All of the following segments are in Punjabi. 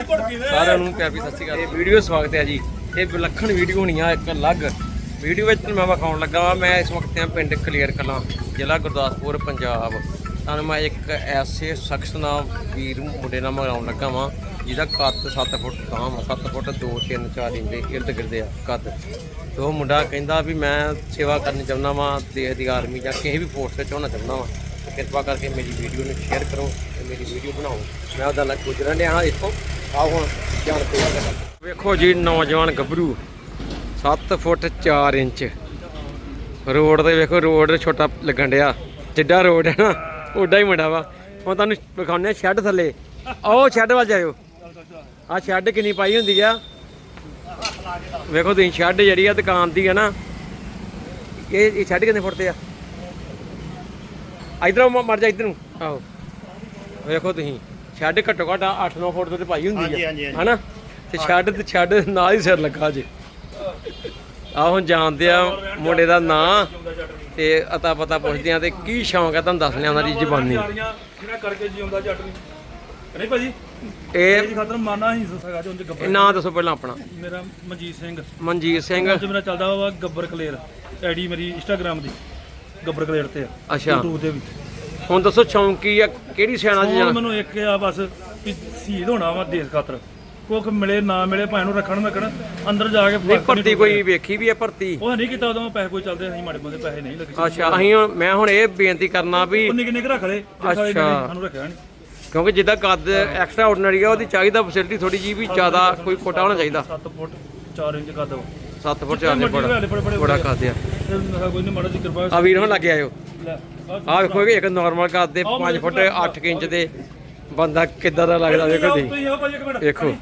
ਸਾਰਿਆਂ ਨੂੰ ਪਿਆਰ ਵੀ ਸਤਿ ਸ਼੍ਰੀ ਅਕਾਲ। ਇਹ ਵੀਡੀਓ ਸਵਾਗਤ ਹੈ ਜੀ। ਇਹ ਵਿਲੱਖਣ ਵੀਡੀਓ ਹੋਣੀ ਆ, ਇੱਕ ਅਲੱਗ ਵੀਡੀਓ ਵਿੱਚ ਮੈਂ ਵਿਖਾਉਣ ਲੱਗਾ ਵਾ। ਮੈਂ ਇਸ ਵਕਤ ਆ ਪਿੰਡ ਕਲੇਰ ਕਲਾਂ, ਜ਼ਿਲ੍ਹਾ ਗੁਰਦਾਸਪੁਰ, ਪੰਜਾਬ। ਤੁਹਾਨੂੰ ਮੈਂ ਇੱਕ ਐਸੇ ਸ਼ਖਸ ਨਾਲ ਵੀਰ ਮੁੰਡੇ ਨਾਲ ਮਿਲਾਉਣ ਲੱਗਾ ਵਾਂ ਜਿਹਦਾ ਕੱਦ 7 ਫੁੱਟ ਤਾਂ 7 ਫੁੱਟ 2, 3, 4 ਇੰਚ ਦੇ ਇਰਦ ਗਿਰਦ ਆ ਕੱਦ। ਤੇ ਉਹ ਮੁੰਡਾ ਕਹਿੰਦਾ ਵੀ ਮੈਂ ਸੇਵਾ ਕਰਨੀ ਚਾਹੁੰਦਾ ਵਾਂ, ਦੇਸ਼ ਦੀ ਆਰਮੀ ਜਾਂ ਕਿਸੇ ਵੀ ਫੋਰਸ ਵਿੱਚ ਹੋਣਾ ਚਾਹੁੰਦਾ ਵਾਂ। ਕਿਰਪਾ ਕਰਕੇ ਮੇਰੀ ਵੀਡੀਓ ਨੂੰ ਸ਼ੇਅਰ ਕਰੋ ਤੇ ਮੇਰੀ ਵੀਡੀਓ ਬਣਾਓ। ਮੈਂ ਉਹਦਾ ਨਾਲ ਗੁਜ਼ਰਨ ਡਿਆ। ਇੱਥੋਂ ਆਓ ਹੁਣ ਜਾਣ ਕੇ ਵੇਖੋ ਜੀ, ਨੌਜਵਾਨ ਗੱਭਰੂ 7 ਫੁੱਟ 4 ਇੰਚ ਰੋਡ ਤੇ ਵੇਖੋ। ਰੋਡ ਛੋਟਾ ਲੱਗਣ ਡਿਆ, ਜਿੱਡਾ ਰੋਡ ਹੈ ਨਾ ਓਡਾ ਹੀ ਮੁੰਡਾ ਵਾ। ਹੁਣ ਤੁਹਾਨੂੰ ਵਿਖਾਉਂਦੇ ਸ਼ੈੱਡ ਥੱਲੇ। ਆਓ ਸ਼ੈੱਡ ਵੱਲ ਜਾਇਓ। ਆਹ ਸ਼ੈੱਡ ਕਿੰਨੀ ਪਾਈ ਹੁੰਦੀ ਆ ਵੇਖੋ ਤੁਸੀਂ। ਸ਼ੈੱਡ ਜਿਹੜੀ ਆ ਦੁਕਾਨ ਦੀ ਆ ਨਾ, ਇਹ ਸ਼ੈੱਡ ਕਿੰਨੇ ਫੁੱਟ ਤੇ ਆ? ਇਧਰੋਂ ਮਰ ਜਾ ਇੱਧਰ ਨੂੰ। ਆਹੋ ਵੇਖੋ ਤੁਸੀਂ, ਸ਼ੈੱਡ ਘੱਟੋ ਘੱਟ 8-9 ਫੁੱਟ ਤੇ ਪਾਈ ਹੁੰਦੀ ਆ ਹਨਾ। ਤੇ ਛੱਡ ਨਾਲ ਹੀ ਸਿਰ ਲੱਗਾ ਜੀ। ਆਹ ਹੁਣ ਜਾਣਦੇ ਆ ਮੁੰਡੇ ਦਾ ਨਾਂ ਤੇ ਅਤਾ ਪਤਾ ਪੁੱਛਦੇ ਆ ਤੇ ਕੀ ਸ਼ੌਂਕ ਆ, ਤੁਹਾਨੂੰ ਦੱਸ ਲਿਆ ਉਹਨਾਂ ਦੀ ਜ਼ਬਾਨੀ। ਕਰਕੇ ਜਿਉਂਦਾ ਜੱਟ ਨਹੀਂ ਭਾਜੀ। ਇਹ ਖਾਤਰ ਮਾਨਾ ਹੀ ਸਗਾ ਜੋ ਗੱਬਰ। ਨਾਂ ਦੱਸੋ ਪਹਿਲਾਂ ਆਪਣਾ। ਮੇਰਾ ਮਨਜੀਤ ਸਿੰਘ। ਮਨਜੀਤ ਸਿੰਘ। ਮੇਰਾ ਚੱਲਦਾ ਵਾ ਗੱਬਰ ਕਲੇਰ, ਆਈਡੀ ਮੇਰੀ ਇੰਸਟਾਗ੍ਰਾਮ ਦੀ ਗੱਬਰ ਕਲੇਰ ਤੇ ਆ। ਅੱਛਾ, YouTube ਤੇ ਵੀ। ਹੁਣ ਦੱਸੋ ਸ਼ੌਂਕ ਕੀ ਆ, ਕਿਹੜੀ ਸਿਆਣਾ ਜੀ? ਮੈਨੂੰ ਇੱਕ ਆ ਬਸ ਵੀ ਸ਼ਹੀਦ ਹੋਣਾ ਵਾ ਦੇਸ਼ ਖਾਤਰ। ਕੁੱਖ ਮਿਲੇ ਨਾ ਮਿਲੇ ਭਾਵੇਂ ਨੂੰ ਰੱਖਣ ਅੰਦਰ ਜਾ ਕੇ। ਨਹੀਂ ਭਰਤੀ ਕੋਈ ਵੇਖੀ ਵੀ ਆ ਭਰਤੀ? ਉਹ ਨਹੀਂ ਕੀਤਾ ਉਦੋਂ ਪੈਸੇ ਕੋਈ ਚੱਲਦੇ, ਅਸੀਂ ਮਾੜੇ ਬੰਦੇ ਪੈਸੇ ਨਹੀਂ ਲੱਗੇ। ਅੱਛਾ, ਮੈਂ ਹੁਣ ਇਹ ਬੇਨਤੀ ਕਰਨਾ ਵੀ ਨਿੱਕੇ ਰੱਖ ਲੈ। ਅੱਛਾ, ਸਾਨੂੰ ਰੱਖਿਆ ਨਹੀਂ ਕਿਉਂਕਿ ਜਿੱਦਾਂ ਕੱਦ ਐਕਸਟਰਾ ਆਰਡੀਨਰੀ ਆ, ਉਹਦੀ ਚਾਹੀਦਾ ਫੈਸਿਲਿਟੀ ਥੋੜੀ ਜੀ ਵੀ ਜ਼ਿਆਦਾ ਕੋਈ ਕੋਟਾ ਹੋਣਾ ਚਾਹੀਦਾ। 7 ਫੁੱਟ 4 ਇੰਚ ਕੱਦ ਵਾ। 7 ਫੁੱਟ 4 ਇੰਚ ਬੜਾ ਕੱਦ ਆ। ਕੋਈ ਨਹੀਂ, ਮਾੜਾ ਜੀ ਕਿਰਪਾ। ਆ ਵੀਰ ਹੁਣ ਲੱਗੇ ਆਇਓ। ਆਹ ਵੇਖੋ ਇੱਕ ਨਾਰਮਲ ਕੱਦ ਦੇ 5 ਫੁੱਟ 8 ਇੰਚ ਦੇ ਬੰਦਾ ਕਿੱਦਾਂ ਦਾ ਲੱਗਦਾ ਵੇਖੋ ਤੁਸੀਂ। ਵੇਖੋ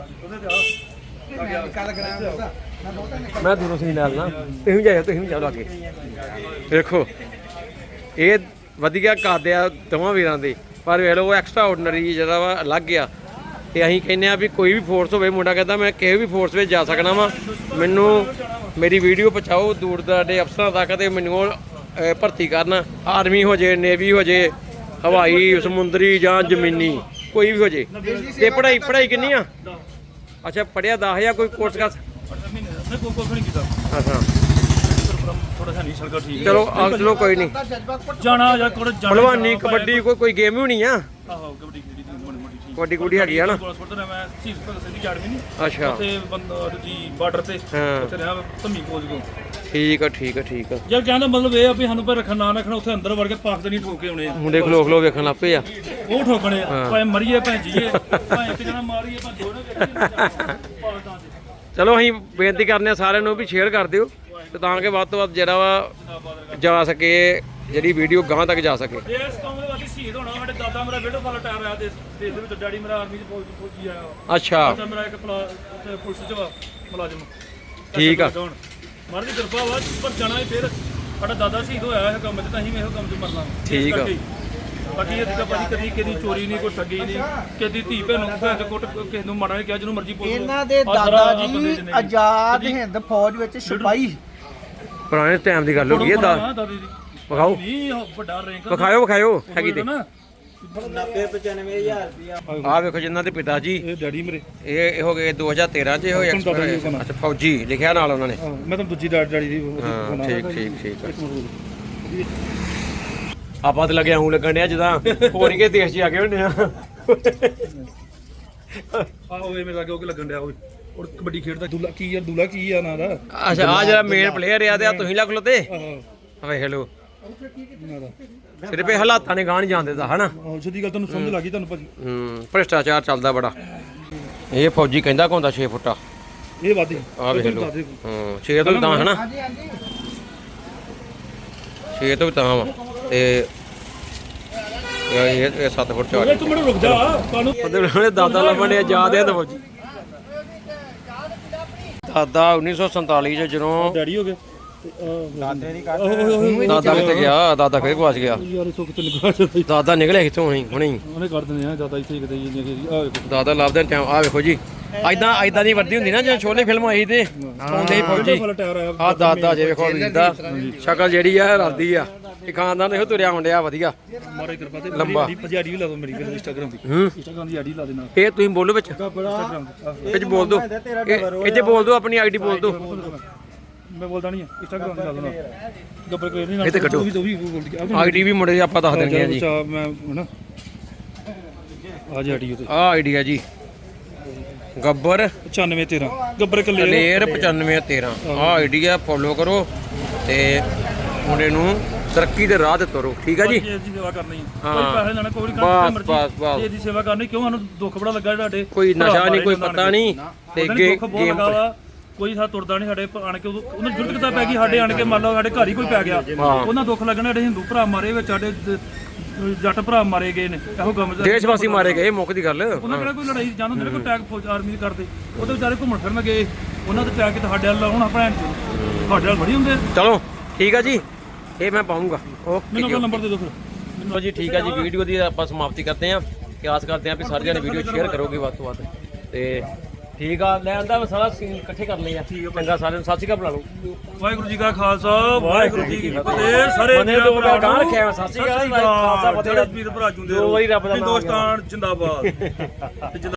ਮੈਂ ਦੂਰੋਂ ਸੀ ਨਾਲ ਨਾ, ਤੁਸੀਂ ਵੀ ਜਾਓ ਲਾਗੇ। ਵੇਖੋ ਇਹ ਵਧੀਆ ਕੱਦ ਆ ਦੋਵਾਂ ਵੀਰਾਂ ਦੇ, ਪਰ ਵੇਖ ਲਓ ਉਹ ਐਕਸਟਰਾ ਆਰਡੀਨਰੀ ਜਿਹੜਾ ਵਾ ਅਲੱਗ ਆ। ਤੇ ਅਸੀਂ ਕਹਿੰਦੇ ਆ ਵੀ ਕੋਈ ਵੀ ਫੋਰਸ ਹੋਵੇ, ਮੁੰਡਾ ਕਹਿੰਦਾ ਮੈਂ ਕਿਸੇ ਵੀ ਫੋਰਸ ਵਿੱਚ ਜਾ ਸਕਣਾ ਵਾ, ਮੈਨੂੰ ਮੇਰੀ ਵੀਡੀਓ ਪਹੁੰਚਾਓ ਦੂਰ ਦਰਾਡੇ ਅਫਸਰਾਂ ਤੱਕ ਤੇ ਮੈਨੂੰ ਭਰਤੀ ਕਰਨ। ਆਰਮੀ ਹੋ ਜੇ, ਨੇਵੀ ਹੋ ਜੇ, ਹਵਾਈ, ਸਮੁੰਦਰੀ ਜਾਂ ਜ਼ਮੀਨੀ, ਕੋਈ ਵੀ ਹੋ ਜੇ। ਤੇ ਪੜ੍ਹਾਈ ਕਿੰਨੀ ਆ? ਅੱਛਾ, ਪੜ੍ਹਿਆ 10 ਜਾਂ ਕੋਈ ਕੋਰਸ ਕਰ? ਅੱਛਾ ਚਲੋ ਚਲੋ ਕੋਈ ਨਹੀਂ। ਭਲਵਾਨੀ, ਕਬੱਡੀ ਕੋਈ ਗੇਮ ਹੀ ਹੋਣੀ ਆ। ਕਬੱਡੀ ਕੁੱਡੀ ਹੈਗੀ ਆ ਨਾ। ਅੱਛਾ ਬਾਰਡਰ ਤੇ ਠੀਕ ਆ। ਜੇ ਕਹਿੰਦਾ ਮਤਲਬ ਇਹ ਆ ਵੀ ਸਾਨੂੰ ਪਰ ਰੱਖਣ ਨਾ ਰੱਖਣਾ, ਉੱਥੇ ਅੰਦਰ ਵੜ ਕੇ ਪਾਕਿਸਤਾਨੀ ਠੋਕ ਕੇ ਆਉਣੇ ਆ। ਮੁੰਡੇ ਖਲੋ ਵੇਖਣ ਲੱਗ ਪਏ ਆ। ਉਹ ਠੋਕਣੇ ਆ, ਭਾਵੇਂ ਮਰੀਏ ਭਾਵੇਂ ਜੀਏ, ਭਾਵੇਂ ਇੱਕ ਜਣਾ ਮਾਰੀਏ ਭਾਵੇਂ ਦੋਨੇ। ਚਲੋ ਅਸੀਂ ਬੇਨਤੀ ਕਰਨੇ ਆ ਸਾਰਿਆਂ ਨੂੰ ਵੀ ਸ਼ੇਅਰ ਕਰ ਦਿਓ ਤੇ ਤਾਂ ਕਿ ਵੱਧ ਤੋਂ ਵੱਧ ਜਿਹੜਾ ਵਾ ਜਾ ਸਕੇ, ਜਿਹੜੀ ਵੀਡੀਓ ਗਾਂ ਤੱਕ ਜਾ ਸਕੇ। ਇਸ ਕੰਮ ਦੇ ਵਿੱਚ ਸ਼ਹੀਦ ਹੋਣਾ। ਸਾਡੇ ਦਾਦਾ ਮੇਰਾ ਵੀਡੀਓ ਕਾਲ ਟਾਇਰ ਆਇਆ ਦੇਸ਼ ਦੇ ਵਿੱਚ, ਡੈਡੀ ਮੇਰਾ ਆਰਮੀ ਚ ਫੌਜੀ ਆਇਆ। ਅੱਛਾ, ਮੇਰਾ ਇੱਕ ਪੁਲਿਸ ਚ ਵਾ ਮੁਲਾਜ਼ਮ। ਠੀਕ ਆ। ਮਰ ਦੀ ਕਿਰਪਾ ਵਾ, ਪਰ ਜਾਣਾ ਹੀ ਫਿਰ। ਸਾਡਾ ਦਾਦਾ ਸ਼ਹੀਦ ਹੋਇਆ ਇਹ ਕੰਮ 'ਚ, ਤਾਂ ਅਸੀਂ ਵੀ ਇਹੋ ਕੰਮ 'ਚ ਮਰਨਾ। ਠੀਕ ਆ। ਬਾਕੀ ਇਹ ਤਾਂ ਭਾਜੀ ਕਦੀ ਕਿਹਦੀ ਚੋਰੀ ਨਹੀਂ, ਕੋਈ ਠੱਗੀ ਨਹੀਂ, ਕਿਹਦੀ ਧੀ ਭੈਣ ਨੂੰ ਕਿਸੇ ਨੂੰ ਮਾੜਾ ਨਹੀਂ ਕਿਹਾ, ਜਿਹਨੂੰ ਮਰਜ਼ੀ ਪੁੱਛ ਲਓ। ਇਹਨਾਂ ਦੇ ਦਾਦਾ ਜੀ ਆਜ਼ਾਦ ਹਿੰਦ ਫੌਜ ਵਿੱਚ ਸਿਪਾਹੀ। ਪੁਰਾਣੇ ਟਾਈਮ ਦੀ ਗੱਲ ਹੋ ਗਈ ਹੈ। ਦਾਦੀ ਦੀ ਵਿਖਾਓ, ਵੱਡਾ ਰੈਂਕ ਵਿਖਾਇਓ ਹੈਗੀ ਤੇ 90-95,000 ਰੁਪਇਆ। ਆਹ ਵੇਖੋ ਜਿਨ੍ਹਾਂ ਦੇ ਪਿਤਾ ਜੀ, ਇਹ ਡੈਡੀ ਮੇਰੇ, ਇਹ ਹੋ ਗਏ 2013 ਚ ਹੋਏ ਐਕਸਪਾਇਰ। ਅੱਛਾ, ਫੌਜੀ ਲਿਖਿਆ ਨਾਲ ਉਹਨਾਂ ਨੇ। ਮੈਂ ਤਾਂ ਦੂਜੀ ਡੈਡੀ ਦੀ। ਹਾਂ ਠੀਕ। ਆਪਾਂ ਤੇ ਲੱਗਿਆ ਹੂੰ ਲੱਗਣ ਡਿਆ ਜਿੱਦਾਂ ਹੋਰ ਹੀ ਕੇ ਦੇਸ਼ 'ਚ ਆ ਗਏ ਹੁੰਦੇ ਆ। ਆਹੋ ਇਹ ਮੇਰੇ ਲੱਗੇ ਉਹ ਲੱਗਣ ਡਿਆ। ਓਏ ਔਰ ਕਬੱਡੀ ਖੇਡਦਾ ਦੂਲਾ ਕੀ ਆ ਨਾਂ ਦਾ? ਅੱਛਾ, ਆ ਜਿਹੜਾ ਮੇਨ ਪਲੇਅਰ ਆ ਤੇ ਆ ਤੁਸੀਂ ਲੱਗ ਲੋ ਤੇ ਵੇਖ ਲਓ। ਸਿਰਫ ਇਹ ਹਾਲਾਤਾਂ ਨੇ ਗਾਂ ਨਹੀਂ ਜਾਣ ਦਿੱਤਾ ਹਨਾ। ਸਿੱਧੀ ਗੱਲ ਤੁਹਾਨੂੰ ਸਮਝ ਲੱਗੀ ਤੁਹਾਨੂੰ ਭਾਜੀ। ਭ੍ਰਿਸ਼ਟਾਚਾਰ ਚੱਲਦਾ ਬੜਾ। ਇਹ ਫੌਜੀ ਕਹਿੰਦਾ ਹੁੰਦਾ 6 ਫੁੱਟਾ। ਇਹ ਵਾਦੀ ਆ ਵੇਖ ਲਓ। 6 ਤੋਂ ਵੀ ਤਾਂ ਹਨਾ, 6 ਤੋਂ ਵੀ ਤਾਂ ਵਾ। ਤੇ ਇਹ 7 ਫੁੱਟ 4 ਤੂੰ ਮੈਨੂੰ ਰੁਕ ਜਾ। ਉਹਦੇ ਦਾਦਾ ਲੱਭਣ ਡਿਆ ਯਾਦ ਹੈ ਫੌਜੀ। ਦਾਦਾ 1947 ਚ ਜਦੋਂ ਡੈਡੀ ਹੋ ਗਏ। ਦਾਦਾ ਕਿੱਥੇ ਗਿਆ? ਦਾਦਾ ਫੇਰ ਗਵਾਚ ਗਿਆ। ਯਾਰ ਸੋ ਕਿਤੇ ਨਿਕਲ ਦਾਦਾ ਨਿਕਲਿਆ ਕਿੱਥੋਂ ਹੁਣੇ ਉਹਨੇ ਕਰ ਦਿੰਦੇ ਆ। ਦਾਦਾ ਇੱਥੇ ਕਿਤੇ ਦਾਦਾ ਲੱਭਦੇ ਟਾਈਮ। ਆ ਵੇਖੋ ਜੀ, ਐਦਾਂ ਦੀ ਵਰਦੀ ਹੁੰਦੀ ਨਾ ਜਿਵੇਂ ਛੋਲੇ ਫਿਲਮ ਆਈ ਤੇ ਆਉਂਦੇ ਹੀ ਫੌਜੀ ਫੁੱਲ ਟਾਇਰ ਆਇਆ ਆਹ ਦਾਦਾ ਜੇ ਵੇਖੋ ਵੀਰ ਦਾ ਸ਼ਕਲ ਜਿਹੜੀ ਆ ਰਲਦੀ ਆ ਇਹ ਖਾਨਦਾਨ ਇਹੋ ਤੁਰਿਆ ਹੁੰਦਿਆ ਵਧੀਆ ਮਾਰੇ ਕਿਰਪਾ ਤੇ ਲੰਬਾ। ਮੇਰੀ ਆਈਡੀ ਵੀ ਲਾ ਦਿਓ ਮੇਰੀ ਇੰਸਟਾਗ੍ਰਾਮ ਦੀ ਹੂੰ ਇੰਸਟਾਗ੍ਰਾਮ ਦੀ ਆਈਡੀ ਲਾ ਦੇਣਾ ਇਹ ਤੁਸੀਂ ਬੋਲੋ ਵਿੱਚ ਇੰਸਟਾਗ੍ਰਾਮ ਇਹ 'ਚ ਬੋਲ ਦਿਓ ਇਹ 'ਚ ਬੋਲ ਦਿਓ ਆਪਣੀ ਆਈਡੀ ਬੋਲ ਦਿਓ ਮੈਂ ਬੋਲਦਾ ਨਹੀਂ ਇੰਸਟਾਗ੍ਰਾਮ ਦੀ ਲਾ ਦੇਣਾ ਗੱਬਰ ਕੋਈ ਨਹੀਂ ਇਹ ਤੇ ਕੱਢੋ। ਉਹ ਵੀ ਬੋਲ ਕੇ ਆਈਡੀ ਵੀ ਮੁੰਡੇ ਦੀ ਆਪਾਂ ਦੱਸ ਦੇਣੀ ਆ ਜੀ ਮੈਂ ਹਨਾ ਆ ਜੀ ਆਈਡੀ ਉਤੇ ਆਹ ਆਈਡੀ ਆ ਜੀ ਗੱਬਰ 9513 ਗੱਬਰ ਕਲੇਰ ਕਲੇਰ 9513 ਆਹ ਆਈਡੀ ਆ ਫੋਲੋ ਕਰੋ ਤੇ ਮੁੰਡੇ ਨੂੰ ਤਰੱਕੀ ਦੇ ਰਾਹ ਤੇ ਤੁਰੋ ਠੀਕ ਆ ਜੀ ਜੀ ਦੀ ਸੇਵਾ ਕਰਨੀ ਹੈ ਹਾਂ। ਕੋਈ ਪੈਸੇ ਲੈਣਾ ਕੋਈ ਬਸ ਬਸ ਬਸ ਜੀ ਦੀ ਸੇਵਾ ਕਰਨੀ ਕਿਉਂ ਸਾਨੂੰ ਦੁੱਖ ਬੜਾ ਲੱਗਾ ਤੁਹਾਡੇ ਕੋਈ ਨਸ਼ਾ ਨਹੀਂ ਕੋਈ ਪਤਾ ਨਹੀਂ ਤੇ ਗੇਮ ਕੋਈ ਸਾ ਤੁਰਦਾ ਨਹੀਂ ਸਾਡੇ ਆਣ ਕੇ ਉਹਨਾਂ ਜੁਰਤ ਕਿਤਾ ਪੈ ਗਈ ਸਾਡੇ ਆਣ ਕੇ ਮੰਨ ਲਓ ਸਾਡੇ ਘਰ ਹੀ ਕੋਈ ਪੈ ਗਿਆ ਉਹਨਾਂ ਦੁੱਖ ਲੱਗਣਾ ਸਾਡੇ ਹਿੰਦੂ ਭਰਾ ਮਾਰੇ ਵਿੱਚ ਸਾਡੇ ਜੱਟ ਭਰਾ ਮਾਰੇ ਗਏ ਨੇ ਇਹੋ ਗਮ ਦੇਸ਼ ਵਾਸੀ ਮਾਰੇ ਗਏ ਮੁੱਖ ਦੀ ਗੱਲ ਉਹਨਾਂ ਕਿਹੜਾ ਕੋਈ ਲੜਾਈ ਜਾਣ ਹੁੰਦੇ ਨੇ ਕੋਈ ਟੈਗ ਫੌਜ ਆਰਮੀ ਕਰਦੇ ਉਹਦੇ ਵਿਚਾਰੇ ਘੁੰਮਣ ਫਿਰਨ ਗਏ ਉਹਨਾਂ ਦੇ ਟੈਗ ਤੇ ਸਾਡੇ ਵੱਲ ਆਉਣਾ ਭੈਣ ਚ ਸਾਡੇ ਵੱਲ ਬੜੀ ਹੁੰਦੇ ਚਲੋ ਠੀਕ ਆ ਜੀ ਇਹ ਮੈਂ ਪਾਉਂਗਾ ਓਕੇ ਮੈਨੂੰ ਜੀ ਆਪਣਾ ਨੰਬਰ ਦੇ ਦਿਓ ਫਿਰ ਚਲੋ ਜੀ ਠੀਕ ਆ ਜੀ ਵੀਡੀਓ ਦੀ ਆਪਾਂ ਸਮਾਪਤੀ ਕਰਦੇ ਆਂ ਕਿ ਆਸ ਕਰਦੇ ਆਂ ਵੀ ਸਾਰੇ ਜਣੇ ਵੀਡੀਓ ਸ਼ੇਅਰ ਕਰੋਗੇ ਵੱਧ ਤੋਂ ਵੱਧ ਤੇ ਠੀਕ ਆ ਲੈ ਆਂਦਾ ਸਾਰਾ ਸੀਨ ਇਕੱਠੇ ਕਰ ਲਏ ਆ ਚੰਗਾ ਸਾਰਿਆਂ ਨੂੰ ਸਤਿ ਸ਼੍ਰੀ ਅਕਾਲ ਬੁਲਾ ਲਓ ਵਾਹਿਗੁਰੂ ਜੀ ਕਾ ਖਾਲਸਾ ਵਾਹਿਗੁਰੂ ਜੀ ਕੀ ਫਤਿਹ ਸਾਰੇ ਬੰਦੇ ਦੋ ਗਾਂ ਰੱਖਿਆ ਸਤਿ ਸ਼੍ਰੀ ਅਕਾਲ ਖਾਲਸਾ ਫਤਿਹ ਵੀਰ ਭਰਾ ਜੁੰਦੇ ਦੋ ਵਾਰੀ ਰੱਬ ਦਾ ਨਾਮ ਹਿੰਦੁਸਤਾਨ ਜਿੰਦਾਬਾਦ